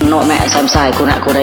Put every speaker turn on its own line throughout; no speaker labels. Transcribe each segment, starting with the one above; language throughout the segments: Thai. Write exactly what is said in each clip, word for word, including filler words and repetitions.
โนแม่แซมไซกูนะกูได้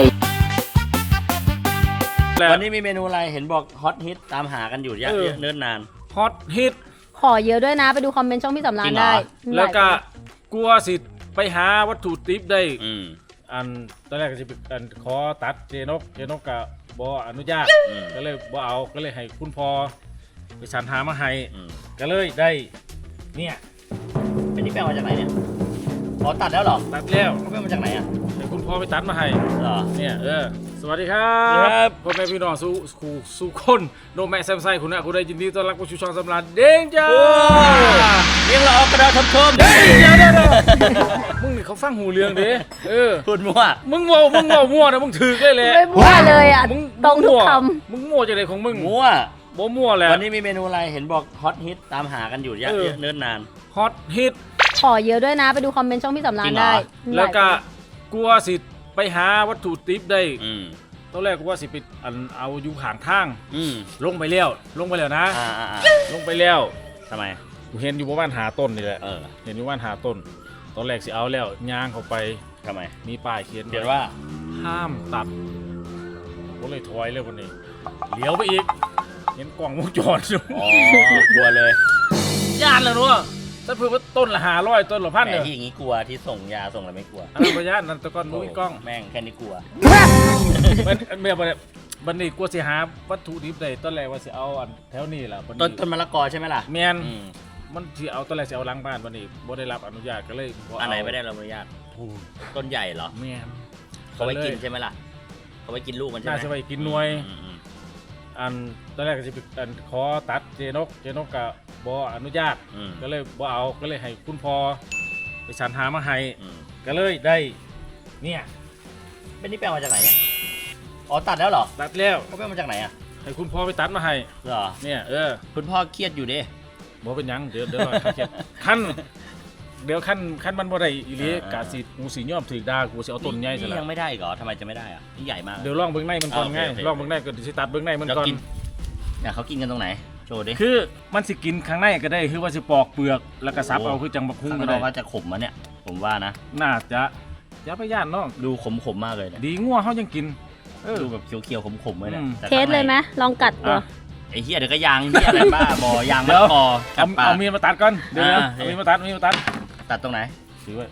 วันนี้มีเมนูอะไรเห็นบอกฮอตฮิตตามหากันอยู่เยอะเนิ่นนาน
ฮอตฮิต
ขอเยอะด้วยนะไปดูคอมเมนต์ช่องพี่สำรานได้
แล้วก็กลัวสิไปหาวัตถุดิบได้อันตอนแรกก็จะเป็นขอตัดเจนกเจนกกับบออนุญาตก็เลยบอเอาก็เลยให้คุณพ่อไปสรรหามาให้ก็เลยได้เนี่ย
เป็นที่แปลมาจากไหนเนี่ยพอตัดแล้วหรอ
ตัดแล้ว
เขาเป็นมาจากไหนอ่ะ
ให้คุณพ่อไปตัดมาให้
เหรอ
เนี่ยเออสวัสดีครับพ่อแม่พี่น้องสู่สู่สู่คนโนแม่แซมไซคุณนะคุณได้ยินดีต้อนรับผู้ชูช่องสำราญเด้งจ้า
เรียงเราออกกระดาษชมชม
เดี๋ยวเดี๋ยวมึงนี่เขาฟังหูเรื่องดิเออ
พูดมั่ว
มึงมั่วมึงมั่วมั่วนะมึงถือได้เลย
ไม่มั่วเลยอ่ะตรงทุกค
ำมึงมั่วจากไหนของมึง
มั่ว
บ่มั่วแหละ
วันนี้มีเมนูอะไรเห็นบอกฮอตฮิตตามหากันอยู่เยอะเนิ่นนาน
ฮอตฮิต
ขอเยอะด้วยนะไปดูคอมเมนต์ช่องพี่สำรานได้
แล้วก็กลัวสิไปหาวัตถุดิบได้ตอนแรกกูว่าสิไปอันเอาอยู่ห่างทางลงไปเลี้ยวลงไปแล้วนะลงไปแล้ว
ทำไม
กูเห็นอยู่บ้านหาต้นนี่แหละเห็นอยู่บ้านหาต้นตอนแรกสิเอาแล้วย่างเข้าไป
ทำไม
มีป้ายเขียน
เขียนว่า
ห้ามตัดก็เลยถอยเลยวันนี้เลี้ยวไปอีกเห็นกล่องวงจรอยู่
อ๋อกลัวเลย
ย่านแล้วเนาะถ้าเพื่อว่าต้นละห้าร้อยต้นละพันเนี่ย
ที่อย่างนี้กลัวที่ส่งยาส่งอะไรไม่กลัว
อันนั้นพยานนั่นตะก้อนมุ้ยกล้อง
แม่งแค่นี้กลัว
มันเมื่อวันบันนี้กลัวสิหาวัตถุดิบได้ต้นแรกว่าสิเอาอันแถวนี้แหละ
ต้นต้นมะละกอใช่ไหมล่ะ
แมนมันที่เอาต้นแรกสิเอาล้างบ้านวันนี้บ่ได้รับอนุญาตก็เลย
อันไหนไม่ได้รับอนุญาตต้นใหญ่เหรอ
แมน
เขาไว้กินใช่ไหมล่ะเขาไว้กินลูกมันใช่ไหม
น่าจะไปกินหน่วยอันตอนแรกก็จะเป็นขอตัดเจนกเจนกกับบออนุญาตก็เลยบอเอาก็เลยให้คุณพ่อไปสรรหามาให้ก็เลยได้เนี่ย
เป็นที่แปลมาจากไหนเนี่ยอ๋อตัดแล้วเหรอ
ตัดแล้ว
เขาเป็นมาจากไหนอ่ะ
ให้คุณพ่อไปตัดมาให้
เหรอ
เนี่ยเออ
คุณพ่อเครียดอยู่ดิ
บ่เป็นยังเดี๋ยวเดี๋ยวขั้นเดี๋ยวขั้นขั้นมันบ่ได้อีหลีกาสีงูสีย่อมถือดากูจะเอาต้นใหญ่ซะแล้ว
ยังไม่ได้เหรอทำไมจะไม่ได้อ่ะนี่ใหญ่มาก
เดี๋ยวลองเบื้องในมันก่อนง่ายลองเบื้องในก็สิตัดเบื้องในมันก่อน
เนี่ยเขากินกันตรงไหนโชว์ดิ
คือมันสิกินข้างในก็ได้คือว่าสิปอกเปลือกแล้วก็ซับเอาคือจังบักฮุ้งก็ได้
ว่าจะขมมาเนี่ยผมว่านะ
น่าจะอย่าไปย่านน้อง
ดูขมขมมากเลย
ดีงัวเขายังกิน
ดูแบบเคี้ยวๆขมๆเลยเนี่ย
เทสเลยไหมลองกัดตัว
ไอ้เหี้ยเดี๋ยวก็ยางเหี้ยอะไรบ้าบอยางไม่พอ
เอาเอามีดมาตัดก่อนเดี๋ยวเอามีดมาตัดมีดมาตัด
ตัดตรงไหน
ถือไว้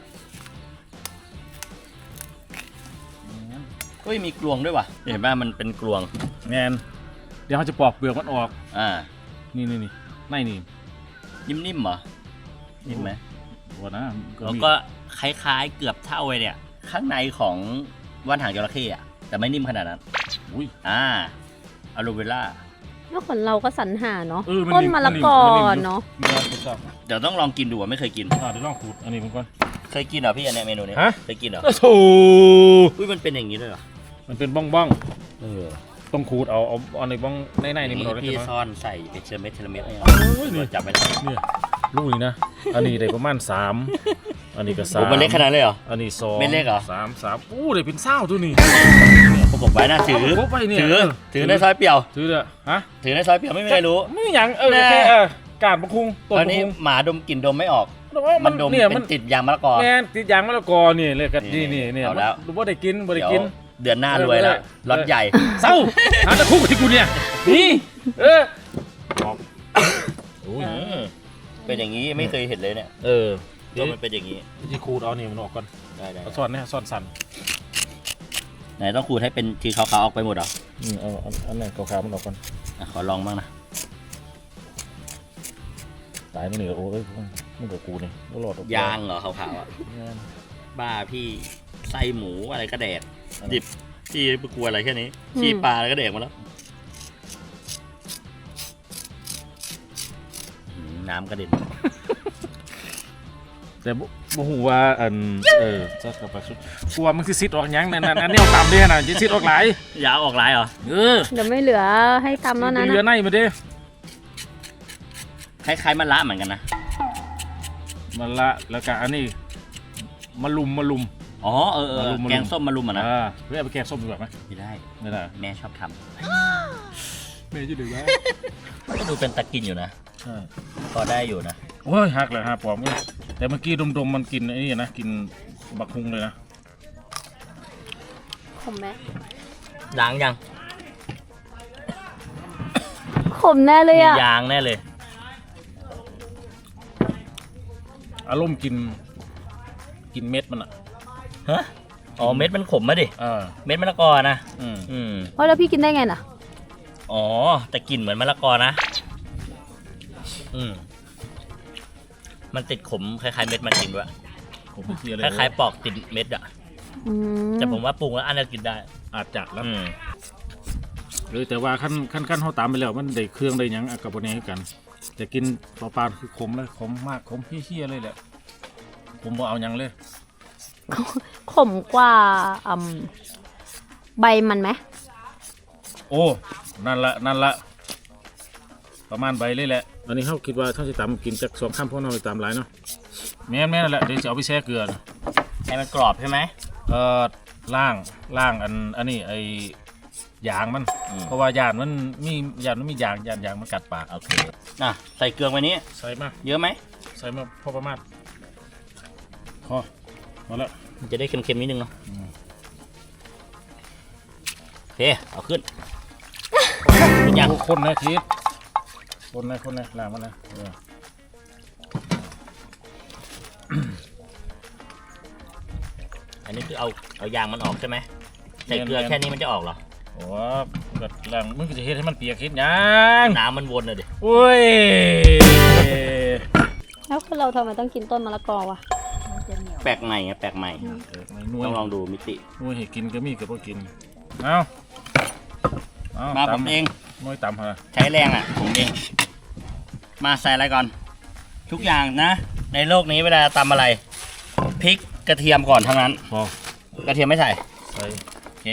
ก็มีกลวงด้วยว่ะเห็นป่ะมันเป็นกลวง
แมนเดี๋ยวเขาจะปอกเปลือกมันออก
อ่า
นี่นี่นี่ไม่นี่
นิ่มๆเหรอนิ่มไหม
ว่านะ
แล้วก็คล้ายๆเกือบเท่าเลยเนี่ยข้างในของว่านหางจระเข้อะแต่ไม่นิ่มขนาดนั้น
อุ้ย
อ่าอะโลเวล่า
แล้วคนเราก็สรรหาเนาะต้นมะละกอเนาะ
เดี๋ยวต้องลองกินดูอ่ะไม่เคยกิน
อ่าเดี๋ยวลองขูดอันนี้มันก่อน
เคยกินเหรอพี่อันนี้เมนูนี้เคยกินเหรอ
โอ้โห
อุ้ยมันเป็นอย่างนี้ด้วยเหรอ
มันเป็นบ้องบ้อง
เออ
ต้องขูดเอาเอาเอาในบ้องในในนี่มัน
พี่ซ่อนใส่เทเลเม็ดเทเลเม็ดอะไรเนี่ยจับไม่ได้
เนี่ยลูกนี้นะอันนี้ได้ประมาณสามอันนี้ก็สาม
มันเล็กขนาดเลยเหรอ
อันนี้สอง
ไม่เล็กเหรอ
สามสามอู้ได้เป็นเศร้าตัวนี้
ผมไว้นะถือถือถือในซอยเปี่ยว
ถือเด้อฮะ
ถือในซอยเปี่ยวไม่มีใครรู้
ไม่อย่างเออโอเคเออการบักคุง
ตอนนี้หมาดมกลิ่นดมไม่ออกมันดมเป็นติดยางมะละกอ
แม่ติดยางมะละกอนี่เลยกันนี่นี่นี่
แล้ว
รู้ว่าได้กินบ่ได้กิน
เดือนหน้ารวยแล้วรถใหญ่
เศร้าหาตะคุกที่กูเนี่ยนี่เออ
โอ้ยเป็นอย่างนี้ไม่เคยเห็นเลยเนี่ย
เออ
ก็มันเป็นอย่างนี้
ที่ขูดเอาเนี่ยมันออกก่อน
ได้ได้
ซ่อนเนี่ยซ่อนสัน
ไหนต้องขูดให้เป็นทีขาวๆออกไปหมดเหรอ
อืมเอาอันนั้นขาวๆมันออกก่อน
ขอลองบ้างนะ
ตายมันเหนือโอ้ยมันกับกูนี่ก็หลอด
ยางเหรอขาวๆอ่ะบ้าพี่ไส้หมูอะไรก็แดกดิบพี่ไปกลัวอะไรแค่นี้ขี้ปลาอะไรก็แดกมาแล้วน้ำกระเด็น
แต่บ่ฮู้ว่าอันเออจะกลับไปสุดกลัวมันสิซิดออกยังนั่นอันนี้เอาตามเด้น่ะสิซิดออกหลาย
อย่าออกหลายเหรอ
เออ
เดี๋ยวไม่เหลือให้ตำแล้วนะ
เหลือในมาเด้
คล้ายๆมะละเหมือนกันนะ
มะละแล้วก็อันนี้มะลุมมะลุม
อ๋อเออแกงส้มมะลุมอ่ะนะ
เฮ้ยเอาไปแกงส้มดีกว่าไหม
ไม่ได้
ไม่ได้
แม่ชอบท
ำแม่จะดื้อไหม
ก็ดูเป็นตะกินอยู่นะพอได้อยู่นะ
โอ้ยหักเลยฮะปอมแต่เมื่อกี้ดมๆมันกินไอ้นี่นะกินบักฮุงเลยนะ
ขมไหม
ล้างยัง
ขมแน่เลย
มี
อ่ะ
ยางแน่เลย
อารมณ์กิน กินเม็ดมันอ่ะ
ฮะอ๋อเม็ดมันขมมาดิ
เออ
เม็ดมะละกอนะ
อืม
อืม
เพราะแล้วพี่กินได้ไงน่ะ
อ๋อแต่กลิ่นเหมือนมะละกอนะอืมมันติดขมคล้ายๆเม็ดมันจริงด้วย
ผมไม่เคียเลย
คล้ายๆปอกติดเม็ดอะ
อืม
แต่ผมว่าปรุงแล้วอันนี้กินได้
อาจจะแล้ว
อืม
หรือแต่ว่าขั้นขั้นขั้นเขาตามไปแล้วมันได้เครื่องได้หยังอะกับพวกนี้กันแต่กินเปล่าๆคือขมเลยขมมากขมเฮี้ยๆเลยแหละผมบ่เอาหยังเลย
ขมกว่าอืมใบมันไหม
โอ้นั่นละนั่นละประมาณใบเลยแหละอันนี้เขาคิดว่าถ้าจะตำกินจากสองข้ามพวกเราไปตำหลายเนาะแม่นแม่นนั่นแหละเดี๋ยวจะเอาไปแช่เกลือนะ
ให้มันกรอบใช่ไหม
เอ่อล่างล่างอันอันนี้ไอ้ยางมัน
อืม
เพราะว่ายางมันมียางมันมียางยางยางมันกัดปาก
โอเคอ่ะใส่เกลือไว้นี้
ใส่มา
เยอะไหม
ใส่มาพอประมาณพอพอแล้ว
มันจะได้เค็มๆนิดนึงเนาะ
อืม
โอเคเอาขึ้นเป็นยัง
คนนะทีคนนะคนนะล้างมันนะเออ
อันนี้คือเอาเอายางมันออกใช่ไหมใส่เกลือแค่นี้มันจะออกเหรอ
โอ้กัดล้างมึงก็จะเฮ็ดให้มันเปียกเฮ็ดหยัง
น้ำมันวนเลยดิ
โอ้ย
แล้วคือเราทำไมต้องกินต้นมะละกอวะ
แปลกใหม่ไงแปลกใหม่
เออไม่นุ่ย
ต้องลองดูมิติ
นุ่ยให้กินก็มีก็บ่กินเอาเอา
มาผม
ตำ
เอง
นุ่ยตำฮะ
ใช้แรงอ่ะผมเองมาใส่อะไรก่อน ทุกอย่างนะ ในโลกนี้เวลาตำอะไรพริกกระเทียมก่อนทั้งนั้น
พอก
ระเทียมไม่ใส่
ใส่
โอเค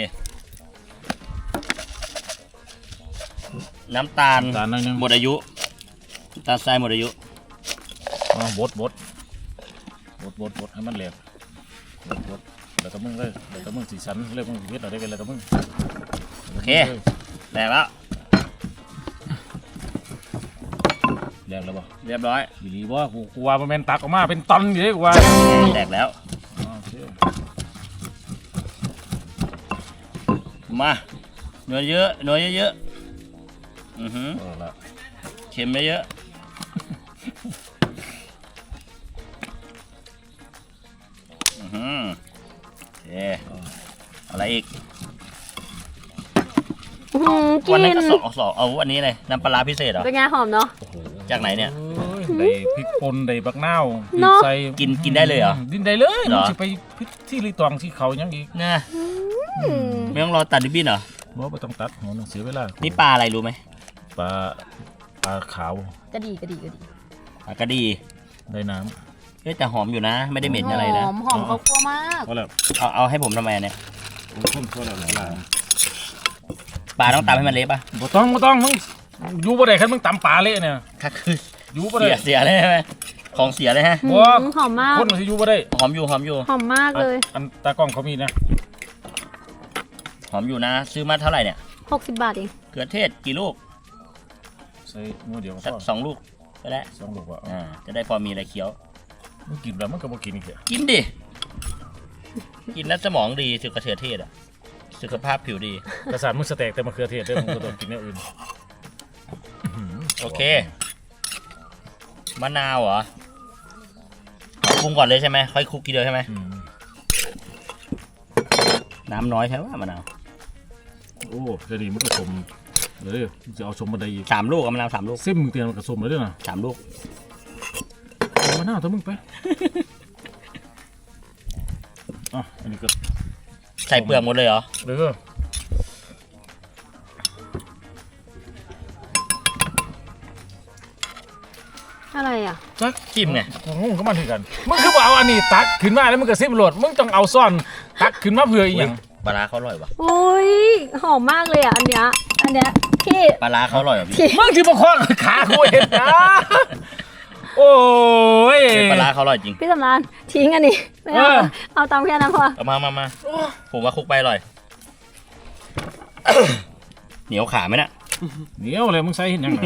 น้ำตาล
ตาลหน่อยหนึง
หมดอายุน้ำตาลทรายหมดอายุ
เอาบดบดบดบดบดให้มันแหลกบดบดแล้วก็มึงเลยแล้วก็มึงสีสันเรียกมึงเฮ็ดอะไรกันแล้วก็มึง
โอเคแหลกแล้ว
แหลกแล้วบ่
เรียบร้อย
อีหลีบ่กูกูว่ามันแม่นตักออกมาเป็นตันอยู่เด้กูว่า
แหลกแล้ว
อ๋อโอเค
มาหน่วยเยอะหน่วยเยอะๆอือหือ
เอาละ
เค็มเยอะๆอือหือโอเคอะไรอีก
อื้อหือกิ
วันนั้น
น
ก็สองสองเอาอันนี้เลยน้ำปลาร้าพิเศษเหรอ
เป็นไงหอมเนาะ
โอ้โห
จากไหนเนี่ย
โอ้ยได้พริกป่นได้บักนาว
เนาะ
ใส่
กินกินได้เลยเหรอ
กินได้เลย
เหรอ
มึงสิไปพิที่รีตองที่เขายังอีก
เนี่ย
อืม
ไม่ต้องรอตัดริบบิ้นเหรอ
บ่บ่ต้องตัดหัวหนังเสียเวลา
นี่ปลาอะไรรู้ไหม
ปลาปลาขาว
กระดีกระดีกระดี
ปลากระดี
ได้น้
เฮ้ยแต่หอมอยู่นะ ไม่ได้เหม็นอะไรนะ
หอมหอมเขากลัวมาก
ำก็แล้ว
เอาเอาให้ผมทำไมเนี่ย
โอ้ยคนก็แล้วหลาย
ปลาต้องตำให้มันเละป่ะ
บ่ต้องบ่ต้องมึงอยู่บ่ได้คันมึงตำปลาเละเนี่ย
ค่ะคือ
อยู่บ่
เสี
ได้
ยเสียเลยใช่ไหมของเสียเลยฮะ
อื
บ่
มหอมมาก
คนมันสิอยู่บ่ได้
หอมอยู่หอมอยู่
หอมมากเลย
อันตากล้องเขามีนะ
หอมอยู่นะ ซื้อมาเท่าไหร่เนี่ย
หกสิบบาทเอง
เกลือเทศกี่ลูก
ใส่มือเดียวก็
สัก
พอ
สองลูกก็ได้
สองลูกว่า
อ่าจะได้พอมีอะไรเคี้ยว
มึงกินแล้วมันก็บ่กินอีกเด้อ
กินดิ กินแล้วสมองดีสุขเทือเทศอ่ะ สุขภาพผิวดี
กระสานมึงสเต็กแต่มะเขือเทศเด้อมึงบ่ต้องกินอย่างอื่น
โอเค มะนาวเหรอปรุงก่อนเลยใช่ไหมค่อยคลุกทีเดียวใช่ไหม
อืม
น้ำน้อยใช่ไหมมะนาว
โอ้จะดีมันก็สมเดี๋ยวมึงจะเอาสมมาได้อีก
สามลูกอะมะนาวสามลูก
เส้นมึงเตรียมมันก็สมเลยเด้อนะ
สามลูก
เอามาหน้าถ้ามึงไปอ่ะอันนี้ก็
ใส่เปลือกหมดเลยเหรอ
เด้อ
อะไรอ่ะ
จัก
จิ้มไง
งงก็มันคือกันมึงคือบ่เอาอันนี้ตักขึ้นมาแล้วมึงก็ซิบโหลดมึงต้องเอาซ่อนตักขึ้นมาเพื่ออีหยัง
ปลาร้าเขาอร่อยปะ
โอ้ยหอมมากเลยอ่ะอันเนี้ยอันเนี้ยพี่
ปลาร้าเขาอร่อยปะพี่
พี่
มึงที่มาคว้างขากูเห็นนะโอ้ย
ปลาร้าเขาอร่อยจริง
พี่สำรานทิ้งอันนี้ไม่เอา
เออ
เอาตามแค่นั้นพอ
เอามามามาผมว่าคลุกไปอร่อย เหนียวขาไหมเนี่ย
เหนียวเลยมึงใส่เห็นยังไง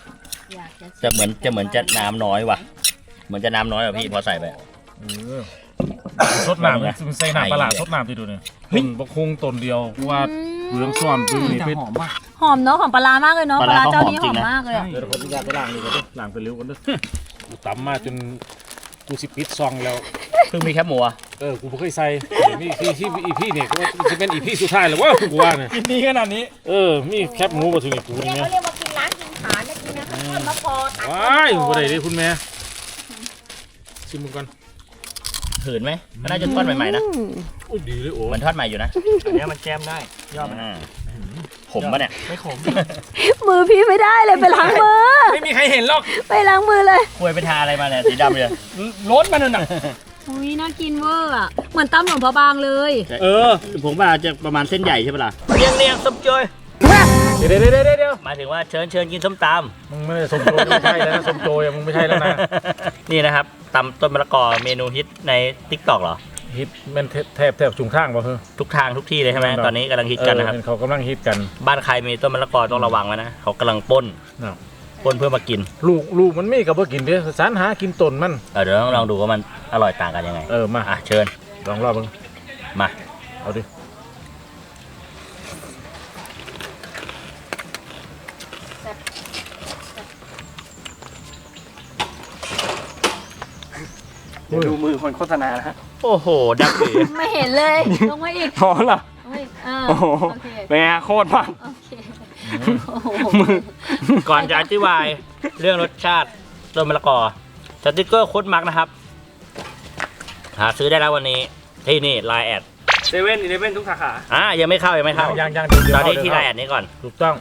จะเหมือนจะเหมือนจะน้ำน้อยว่ะ เหมือนจะน้ำน้อยอ่ะพี่พอใส่ไป
เออสดน้ำมันใส่น้ำปลาสดน้ำที่ดูเนี่ยต้นบกคุงต้นเดียวว่าเหลืองซ้อนปืนนี่
จะ
เป็น
หอมมาก
หอมเนาะหอมปลาร้ามากเลยเนาะปลาร้าเจ้านี้หอมมากเลยอะ
เดี๋ยวผมอยากไปล้างนี่ก่อนดิล้างไปเร็วกันดิกูตำมาจนกูสิปิดซองแล้ว
เพิ่งมีแค่หมูอะ
เออกูไม่เคยใส่มีที่ที่อีพี่เนี่ยกูว่าจะเป็นอีพี่สุดท้ายหรือว่ากูว่าเนี่ย
กินดีขนาดนี้
เออมีแคบหมูมาถึงอีกกู
เนี่ย
เนี่ย
เขาเรียกว่ากินล้างกินขาเนี่ยกินนะทอดมะพร้าวตัด
ว้ายกูได้เลยคุณแม่ชิมมึงก่อน
หืนไหมก็น่าจะทอดใหม่ๆนะ
อืม
อุ้ยดีเลยโอ้
เหมือนทอดใหม่อยู่นะ
อันนี้มันแจมได้ยอดมัน
อ่าผมปะเนี่ย
ไม่ขม
มือพี่ไม่ได้เลยไปล้างมือ
ไม่มีใครเห็นหรอก
ไปล้างมือเลย
คุยไปทาอะไรมาเนี่ยสีดำเลย
รสมันน่ะ
อุ้ยน่ากินเวอร์อะเหมือนตำหลวงพระบางเลย
เออ ผมว่าจะประมาณเส้นใหญ่ใช่ปะล่ะเนียงเนียงส้มโจย
เดี๋ยวเดี๋ยวเดี๋ยวเดี๋ยว
หมายถึงว่าเชิญเชิญกินส้มต
มึงไม่ได้สมโจยไม่ใช่แล้วนะสมโจยมึงไม่ใช่แล้วนะ
ำ นี่นะครับตำต้นมะละกอเมนูฮิตใน ติ๊กต็อก เหรอ
ฮิตแมันแทบแทบจุงทางป่ะเฮ้ย
ทุกทางทุกที่เลยใช่ไหม
แน่นอน
ตอนนี้กำลังฮิตกันนะครับ
เออเขากำลังฮิตกัน
บ้านใครมีต้นมะละกอต้องระวังไว้นะเขากำลังปล้น
เนาะ
ปล้นเพื่อมากิน
ลูกลูกมันไม่กับว่ากินเด้อสารหากินต้นมัน
เออเดี๋ยวต้องลองดูว่ามันอร่อยต่างกันยังไง
เออมา
อ่ะเชิญ
ลองรอบมึง
มา
เอาดิ
เดี๋ยวดูมือคนโฆษณานะฮะ
โอ้โหดักสี
ไม่เห็นเลยลงมาอีก
พอเหรอ
ลงมาอีกเออ
โอ้โห
โอเค
เป็นไงโคตรมัน
โอเคโอ้โห
มือ
ก่อนจะอธิบายเรื่องรสชาติต้นมะละกอสติ๊กเกอร์โค้ดมาร์กนะครับ หาซื้อได้แล้ววันนี้ที่นี่ไลน์แอด
เซเว่นอีเลฟเว่นทุกสาขา
อ่ายังไม่เข้ายังไม่เข้า
ยังยังเดี๋ยวเดี๋ยว
ตอนนี้
เดี๋ยว
ที่ไลน์แอดนี้ก่อน
ถูกต้อง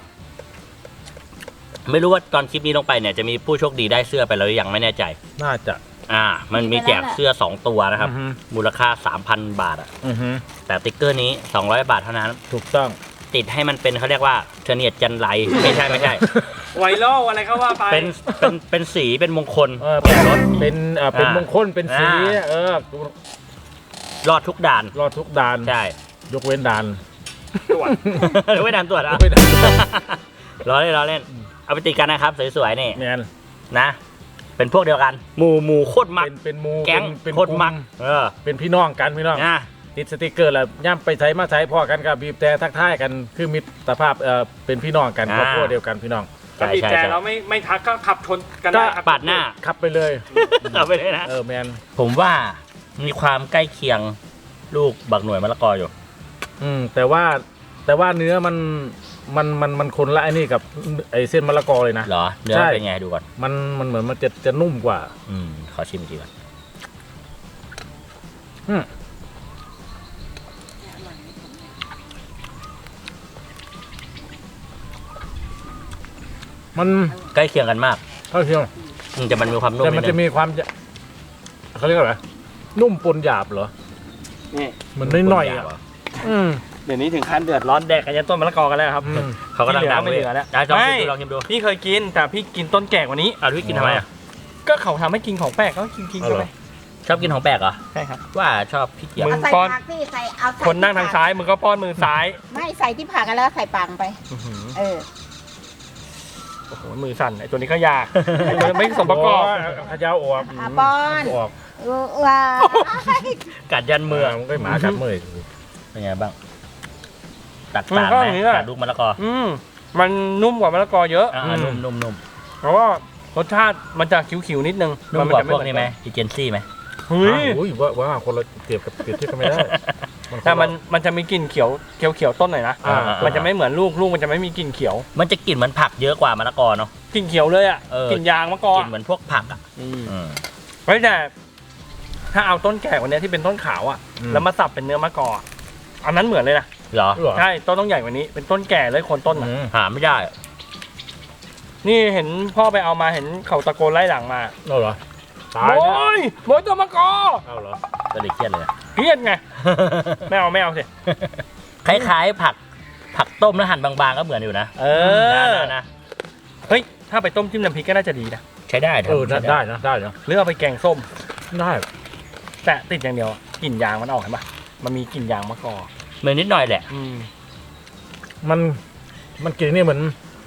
ไม่รู้ว่าตอนคลิปนี้ลงไปเนี่ยจะมีผู้โชคดีได้เสื้อไปแล้วหรือยังไม่แน่ใจ
น่าจะ
อ่า มันมีแจกเสื้อสองตัวนะครับ
อือฮึ
มูลค่า สามพัน บาทอะ
อือฮึ
แต่ติ๊กเกอร์นี้สองร้อยบาทเท่านั้น
ถูกต้อง
ติดให้มันเป็นเขาเรียกว่าเทเนียดจันไรไม่ใช่ไม่ใช่
ไวรัลอะไรก็ว่าไป
เป็นเป็นเป็นสีเป็นมงคล
เออเป็น
รถ
เป็นเอ่อเป็น
อ่าม
มงคลเป็นสี
อ่า
เออ
รอดทุกด่าน
รอดทุกด่าน
ใช่
ยกเว้นด่าน
ตรวจ
หรือไม่ด่านตรวจ
ย
อ่ะ
กเว้นด่าน
ล้อเล่นล้อเล่น เอาไปติดกันนะครับ สวยๆนี่
แมน
นะ เป็นพวกเดียวกัน หมู่หมู่โคตรมัก
เป็นเป็นหมู
แก๊ง
เป็นเป็น
โคตรมัก
กลุ่
เออ
เป็นพี่น้องกันพี่น้อง
นะ
ติดสติกเกอร์แล้วย่ำไปใช้มาใช้พ่อกันกับบีบแต่ทักทายกันคือมิตรภาพเอ่อเป็นพี่น้องกันครอบครัวเดียวกันพี่น้อง
ถ้า
ใช่
บีบ
ใช่
แต่
ใช่
เราไม่ไม่ทักก็ขับชนกันได้ครับ
ปาดหน้า
ขับไปเลย
เอาไปเลยนะ
เออแมน
ผมว่ามีความใกล้เคียงลูกบักหน่วยมะละกออยู่
อืมแต่ว่าแต่ว่าเนื้อมันมันมันมันคนละไอ้นี่กับไอ้เส้นมะละกอเลยนะ
เหรอ เนื้อ
ใช่
เป็นไงดูก่อน
มันมันเหมือนมันจะจะนุ่มกว่า
อืม ขอชิมอีกทีก่อน
อืมมัน
ใกล้เคียงกันมาก
เท่าเทียม
อืมแต่มันมีความนุ่ม
แต่มัน
นิด
จะ
นึง
มีความจะเขาเรียกว่าอะไรนุ่มปนหยาบเหรอ
นี่
เหมือนน้อยๆอ่ะอืม
เดี๋ยวนี้ถึงขั้นเดือดร้อนแดกกันยันต้นมะละกอกันแล้วครับ
อืม
เขากำลังดัง
ไม่เหลือแล้ว
ได้ลองชิม
ไม่
ดูลองชิมดู
พี่เคยกินแต่พี่กินต้นแก่กว่านี้
อ่ะพี่กินทำไมอ่ะ
ก็เขาทำให้กินของแปลกก็กินกิน
เอา
กัน
เหร
ไป
อ
ชอบกินของแปลกเหรอ
ใช่ครับ
ว่าชอบพี่เกียร
มึ
ติ
ง
เอาใส่
ป้อน
ผักพี่ใส่เอาใส่
คนนั่งทางซ้ายมึงก็ป้อนมือซ้าย
ไม่ใส่ที่ผักกันแล้วใส่ปังไป เออ
โอ้โหมือสั่นไอ้ตัวนี้ก็ยากไอ้ตัวนี้ไม่สมประกอบ
ขยาวออก
อ่ะป้อน
ออก
เออว้า
กัดยันมื
เมื่
อ
อมันก็หมากัดมือ
เป็นไงบ้าง ตัด
มัน
ต่าง
ก็
ไหม
อย่างนี้แหละ
กับลูกมะละกอ
อืมมันนุ่มกว่ามะละกอเยอะ
อ่านุ่มนุ่มนุ่ม
เพราะว่ารสชาติมันจะขิวๆนิดนึง
นุ่มกว่าพวกนี้ไหมอีเจนซี่ไหม
เฮ้ย
อุ้ยว่าว่าคนละเปรียบกับเปรียบเทียบกันไม่ได้
แต่มันมันจะมีกลิ่นเขียวเขียวเขียวต้นหน่อยนะ
อ่า
มันจะไม่เหมือนลูกลูกมันจะไม่มีกลิ่นเขียว
มันจะกลิ่นเหมือนผักเยอะกว่ามะละกอเนาะ
กลิ่นเขียวเลยอ่ะ
เออ
กลิ่นยางมะกอก
ลิ่นเหมือนพวกผักอ่ะ
อืม
อืม
เฮ้ยแต่ถ้าเอาต้นแก่กว่านี้ที่เป็นต้นขาวอ่ะ แล้วมาสับเป็นเนื้อมะกอกอันนั้นเหมือนเลยนะ
เหรอ
เหรอ
ใช่ต้นต้องใหญ่กว่านี้เป็นต้นแก่เลยโคนต้น
อื
อ่ะ
ม
หาไม่ได้อะ
นี่เห็นพ่อไปเอามาเห็นเขาตะโกนไล่หลังมา
เอาเหรอตาย
โอ้
นะ
ยโบยตัวมะกอ
เอาเหรอ
ก็เลยเครียดเลยอะ
เครียดไงไม่เอาไม่เอาสิ
คล้ายๆผัก ผักต้มแล้วหั่นบางๆก็เหมือนอยู่นะ
เอ
นะ
อ
นะนะ
เฮ้ยถ้าไปต้มจิ้มน้ำพริกก็น่าจะดีนะ
ใช้ได้
เออ
ทำใช้
ได้นะได้นะ
หรือเอาไปแกงส้ม
ได้
แต่ติดอย่างเดียวอะกลิ่นยางมันออกเห็นปะมันมีกลิ่นยางมะกอก
เหมือนนิดหน่อยแหละ
อืม
มันมันกลิ่นนี่เหมือน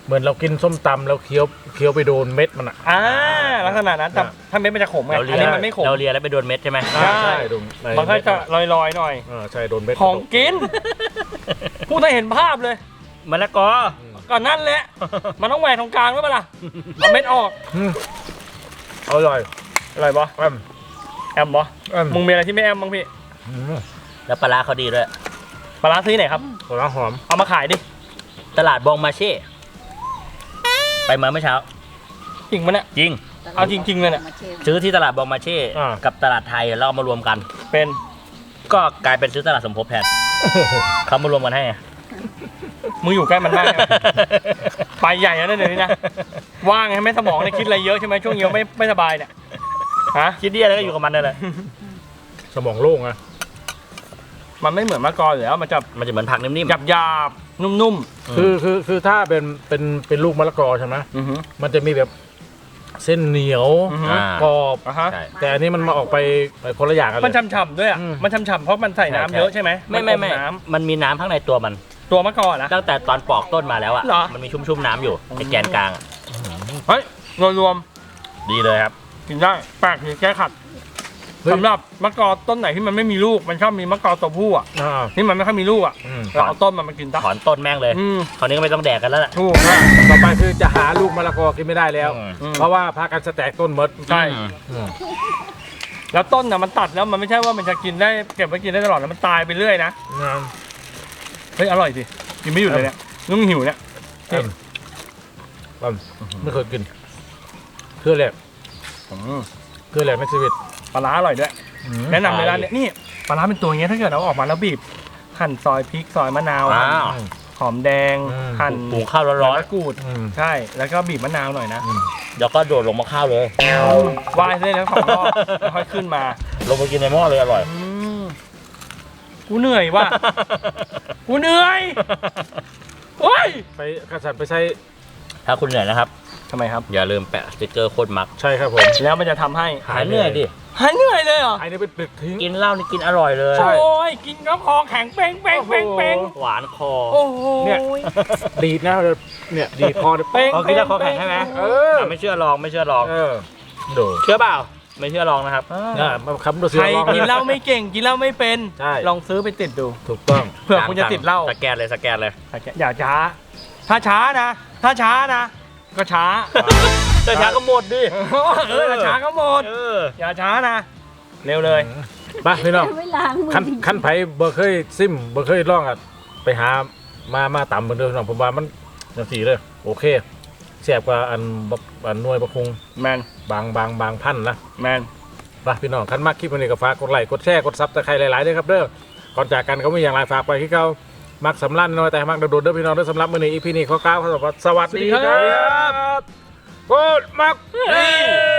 เหมือนเรากินส้มตำแล้วเคี้ยวเคี้ยวไปโดนเม็ดมันอ่ะ
อ่าลักษณะนั้นแต่
อ่ะ
ถ้าเม็ดมันจะขมไง
เรา
อั
เลี
น
ย
นี้มันไม่ขม
เราเลียแล้วไปโดนเม็ดใช่ไหม
ใช่
โดนใน
มันก็จะลอยๆหน่อย
อ่าใช่โดนเม็ด
ของกินพูดให้เห็นภาพเลย
มะละกอ
ก่อนนั่นแหละ มันต้องแหวกตรงกลางด้วยปะล่ะเอาเม็ดออก
อืมอร่อย
อร่อยปะ
แอม
แอมปะ
แอม
มึงมีอะไรที่ไม่แอมบ้างพี่
อืม
แล้วปลาร้าเขาดีด้วย
ปลาร้าซื้อไหนครับ
หัวหอม
เอามาขายดิ
ตลาดบองมาเช่ ไปมาเมื่อเช้า
จริงปะเนี่ย
จริง
เอาจริงๆเลยเนี่ย
มาชิม
ซื้อที่ตลาดบองมาเช่ กับตลาดไทยแล้วเอามารวมกัน
เป็น
ก็กลายเป็นซื้อตลาดสมภพแทนเขามารวมกันให้ไง
มึงอยู่ใกล้มันมากเนี่ยไปใหญ่แล้วนะเดี๋ยวนี้นะว่างไงไม่สมองเนี่ยคิดอะไรเยอะใช่ไหมช่วงเนี้ยไม่ไม่สบายเนี่ยฮะ
คิดเดียแล้วก็อยู่กับมันนั่นแหละ
สมองโล่งอะ
มันไม่เหมือนมะกอกอยู่แล้วมันจะ
มันจะเหมือนผักนิ่ม
หยาบหยาบๆนุ่ม
คือคือคือถ้าเป็นเป็นเป็นลูกมะละกอใช่ไหม
ๆอือฮึ
มันจะมีแบบเส้นเหนียว
อือฮึ
ๆอ่าก
รอบ
อ่ะฮะ
ใช่
แต่อันนี้มันมาออกไปไปคนละอย่างกันเล
มัน
ย
ฉ่ำๆด้วยอ่ะ
อืม
มันฉ่ำๆเพราะมันใส่น้ำเยอะใช่ไหม
ไม่ไม่ไม่
นอน้
มันมีน้ำข้างในตัวมัน
ำตัวมะกอกนะ
ตั้งแต่ตอนปอกต้นมาแล้วอ่ะ
เหรอ
มันมีชุ่มๆน้ำอยู่ในแกนกลางอะ
เฮ้ยรวม
ดีเลยครับ
ๆกินได้แปลกดีแก้ขัดสำหรับมะกอกต้นไหนที่มันไม่มีลูกมันชอบมีมะกอกตัวผู้อ่ะ
อ่า
ที่มันไม่ค่อยมีลูกอ่ะ
อืม
เราเอาต้นมันมากินซะ
ถอนต้นแม่งเลย
อืม
คราวนี้ก็ไม่ต้องแดกกันแล้วแหละ
ถูก
ต่อไปคือจะหาลูกมะละกอกินไม่ได้แล้ว
อืม
อืม
เพราะว่าพากันสแต็กต้นหมด
ใช่
อืม
อืม
แล้วต้นน่ะมันตัดแล้วมันไม่ใช่ว่ามันจะกินได้เก็บไว้กินได้ตลอดนะมันตายไปเรื่อยนะ
งาม
เฮ้ยอร่อยสิกินไม่หยุดเลยเนี่ยนุ่งหิวเนี่ย
แอมแอมไม่เคยกินเครือแหลก
อืม
เครือแหลกในชีวิต
ปลาร้าอร่อยด้วย แนะนำเลยร้านเนี้ยนี่ปลาร้าเป็นตัวอย่างเงี้ยถ้าเกิดเราออกมาแล้วบีบหั่นซอยพริกซอยมะนาว
อ้า
หั่น
ว
หอมแดง
อืม
หั่น
หุงข้าวร้อน
มะกรูด
อืม
ใช่แล้วก็บีบมะนาวหน่อยนะ
ๆแล้วก็โดดลงมาข้าวเลย
วายเลยแล้วสองรอบแล้วค่อยขึ้นมา
ลงไปกินในหม้อเลยอร่อย
อืมกูเหนื่อยว่ะกูเหนื่อยโอ้ย
ไปกระสันไปใช้
ถ้าคุณเหนื่อยนะครับ
ทำไมครับ
อย่าลืมแปะสติกเกอร์โคตรมัก
ใช่ครับผม
แล้วมันจะทำให้
หายเหนื่อยดิ
หายเหนื่อยเลยเหรอ
ไอ้นี่เป็นปลึกทิ้ง
กินเหล้านี่กินอร่อยเลย
ใช่
โอ้ยกินแล้วคอแข็งเป้งเป้งเป้งเป้ง
หวานคอ
โอ้โห
เนี่ย ดีดนะเนี่ยดีดคอเนี่ย
เป้ง
เอากินแล้วคอแข็งใช่ไหม
เออ
อ่ะไม่เชื่อลองไม่เชื่อลอง
เออดู
เชื่อเปล่า ไม่เชื่อลองนะครับ
อ่ามาคำดูสิ
ใครกินเหล้าไม่เก่งกินเหล้าไม่เป็น
ใช่
ลองซื้อไปติดดู
ถูกต้อง
เผื่อคุณจะติดเหล้า
สแกนเลยสแกนเลย
อย่าช้า ถ้าช้านะ ถ้าช้านะ ก็ช้า
แต่ช้าก็หมดดิ
เออถ้าช้าก็หมด
เออ
อย่าช้านะ เร็วเลย
ไปพี่น้อง
ไม่ล้างมือ
ขั้นขั้นไผบ่เคยซิมบ่เคยลองอ่ะไปหามามาต่ำเหมือนเดิมพี่น้องผมว่ามันจังสี่เลยโอเคแซ่บกว่าอันบักอันหน่วยบักคง
แมน
บางบางบางพันนะ
แมน
ไปพี่น้องคันมากคลิปวันนี้ก็ฝากกดไลค์กดแชร์กดซับตะไคร้หลายๆด้วยครับเด้อก่อนจากกันก็ไม่อย่างไรฝากไปที่เขามักสำลันน้อยแต่มักโดดๆเด้อพี่น้องเด้อสำหรับมื้อนี้อีพีนี้ขอกล่าวคำว่าสวัสดีครับกดมัก
นี่